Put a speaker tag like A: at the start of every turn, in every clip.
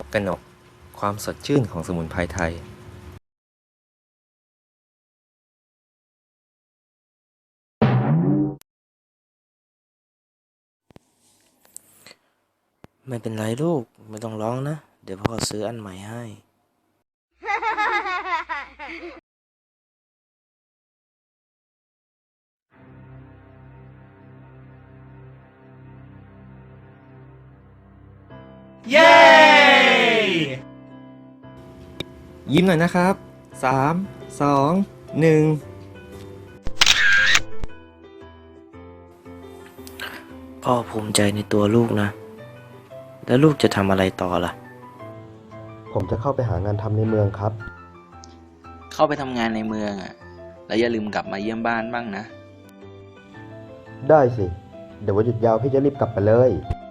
A: กนกความสดชื่นของสมุนไพรไทย
B: ไม่เป็นไรลูกไม่ต้องร้องนะเดี๋ยวพ่อซื้ออันใหม่ให้
C: เย้
A: ยิ้มหน่อยนะครับ3 2 1
B: พ่อภูมิใจในตัวลูกนะแล้วลูกจะทำอะไรต่อล่ะ
D: ผมจะเข้าไปหางานทำในเมืองครับ
E: เข้าไปทำงานในเมืองแล้วอย่าลืมกลับมาเยี่ยมบ้านบ้างนะ
D: ได้สิ เดี๋ยววันหยุดยาวพี่จะรีบกลับไปเลย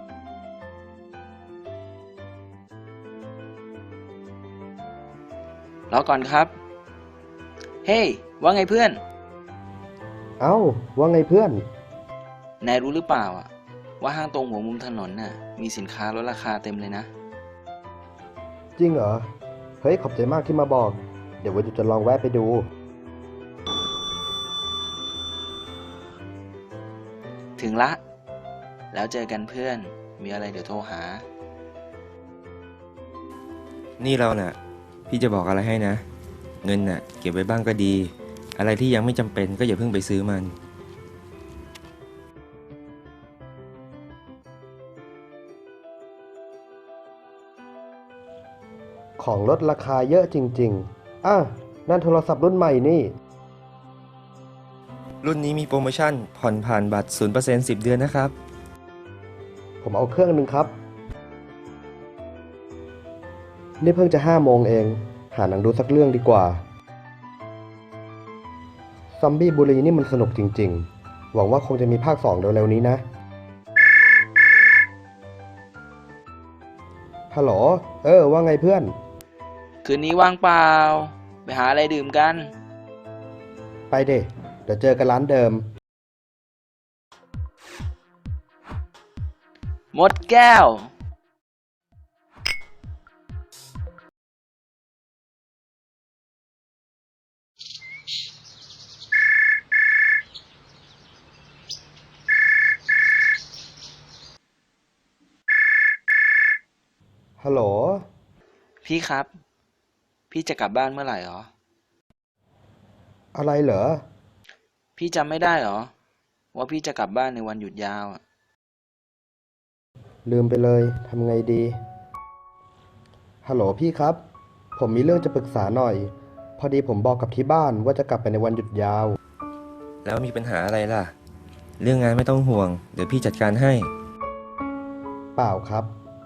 E: รอก่อนครับ เฮ้ ว่าไงเพื่อน
D: เอ้า ว่าไงเพื่อน
E: นายรู้หรือเปล่าว่าห้างตรงหัวมุมถนนมีสินค้าลดราคาเต็มเลยนะ
D: จริงเหรอ เฮ้ย ขอบใจมากที่มาบอก เดี๋ยววันหยุดจะลองแวะไปดู
E: ถึงละ แล้วเจอกันเพื่อน มีอะไรเดี๋ยวโทรหา
A: นี่เราน่ะพี่จะบอกอะไรให้นะเงินน่ะเก็บไว้บ้างก็ดีอะไรที่ยังไม่จำเป็นก็อย่าเพิ่งไปซื้อมัน
D: ของลดราคาเยอะจริงๆนั่นโทรศัพท์รุ่นใหม่นี่
A: รุ่นนี้มีโปรโมชั่นผ่อนผ่านบัตร 0% 10 เดือนนะครับ
D: ผมเอาเครื่องหนึ่งครับ นี่เพิ่งจะ5 โมงเอง หาหนังดูสักเรื่องดีกว่า ซอมบี้บุรีนี่มันสนุกจริงๆ หวังว่าคงจะมีภาค 2 เร็วๆนี้นะ ฮัลโหล ว่าไงเพื่อน
E: คืนนี้ว่างเปล่า ไปหาอะไรดื่มกัน
D: ไปเดี๋ยวเจอกันร้านเดิม
E: หมดแก้ว
D: ฮัลโหล
E: พี่ครับ พี่จะกลับบ้านเมื่อไหร่หรอ
D: อะไรเหรอ
E: พี่จำไม่ได้หรอ ว่าพี่จะกลับบ้านในวันหยุดยาว
D: ลืมไปเลยทำไงดี ฮัลโหลพี่ครับ ผมมีเรื่องจะปรึกษาหน่อย พอดีผมบอกกับที่บ้านว่าจะกลับไปในวันหยุดยาว
A: แล้วมีปัญหาอะไรล่ะเรื่องงานไม่ต้องห่วงเดี๋ยวพี่จัดการให้
D: เปล่าครับ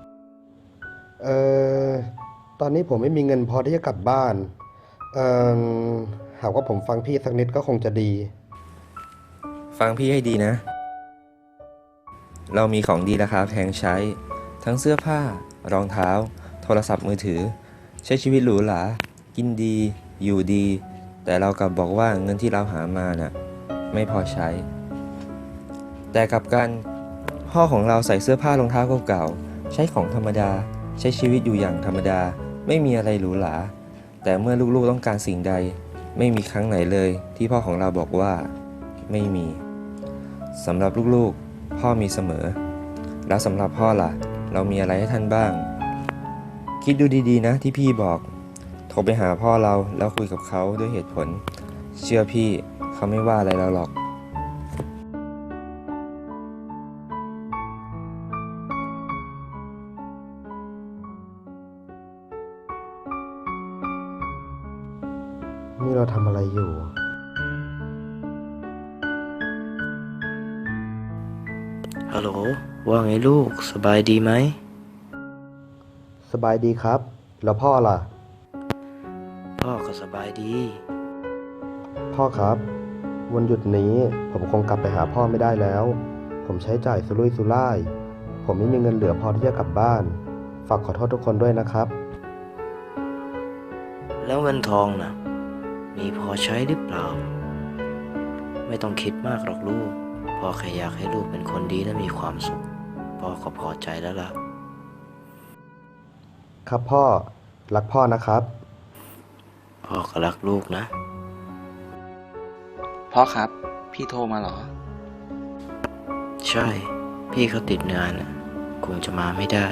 D: ตอนนี้ผมไม่มีเงินพอที่จะกลับบ้าน หากว่าผมฟังพี่สักนิดก็คงจะดี
A: ฟังพี่ให้ดีนะ เรามีของดีราคาแพงใช้ ทั้งเสื้อผ้ารองเท้า โทรศัพท์มือถือ ใช้ชีวิตหรูหรากินดีอยู่ดี แต่เรากลับบอกว่าเงินที่เราหามาน่ะไม่พอใช้ แต่กลับกันพ่อของเราใส่เสื้อผ้ารองเท้าเก่าๆใช้ของธรรมดาใช้ชีวิตอยู่อย่างธรรมดาไม่มีอะไรหรูหราแต่เมื่อลูกๆต้องการสิ่งใดไม่มีครั้งไหนเลยที่พ่อของเราบอกว่าไม่มีสำหรับลูกๆพ่อมีเสมอแล้วสำหรับพ่อล่ะเรามีอะไรให้ท่านบ้างคิดดูดีๆนะที่พี่บอกโทรไปหาพ่อเราแล้วคุยกับเขาด้วยเหตุผลเชื่อพี่เขาไม่ว่าอะไรเราหรอก
D: นี่เราทำอะไรอยู่
B: ฮัลโหลว่าไงลูกสบายดีไหม
D: สบายดีครับ แล้วพ่อล่ะ
B: พ่อก็สบายดี
D: พ่อครับ วันหยุดนี้ผมคงกลับไปหาพ่อไม่ได้แล้ว ผมใช้จ่ายสุรุ่ยสุร่าย ผมไม่มีเงินเหลือพอที่จะกลับบ้าน ฝากขอโทษทุกคนด้วยนะครับ
B: แล้วเงินทองน่ะมีพอใช้หรือเปล่าไม่ต้องคิดมากหรอกลูกพ่อแค่อยากให้ลูกเป็นคนดีและมีความสุขพ่อก็พอใจแล้วล่ะ
D: ครับพ่อ รักพ่อนะครับ
B: พ่อก็รักลูกนะ
E: พ่อครับ พี่โทรมาเหรอ
B: ใช่ พี่เขาติดงานน่ะคงจะมาไม่ได้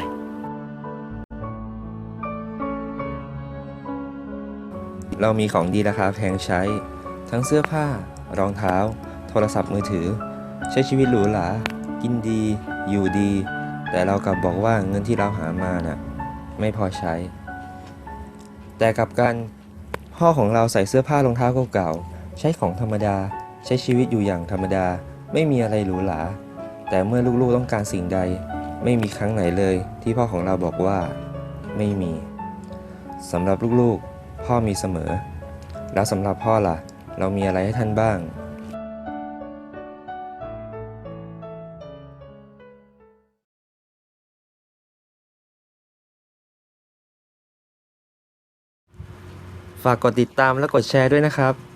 A: เรามีของดีราคาแพงใช้ ทั้งเสื้อผ้า รองเท้า โทรศัพท์มือถือ ใช้ชีวิตหรูหรากินดี อยู่ดี แต่เรากลับบอกว่าเงินที่เราหามาน่ะไม่พอใช้ แต่กลับกันพ่อของเราใส่เสื้อผ้ารองเท้าเก่าๆใช้ของธรรมดา ใช้ชีวิตอยู่อย่างธรรมดา ไม่มีอะไรหรูหราแต่เมื่อลูกๆต้องการสิ่งใด ไม่มีครั้งไหนเลยที่พ่อของเราบอกว่าไม่มีสำหรับลูกๆพ่อมีเสมอ แล้วสำหรับพ่อล่ะ เรามีอะไรให้ท่านบ้าง ฝากกดติดตามและกดแชร์ด้วยนะครับ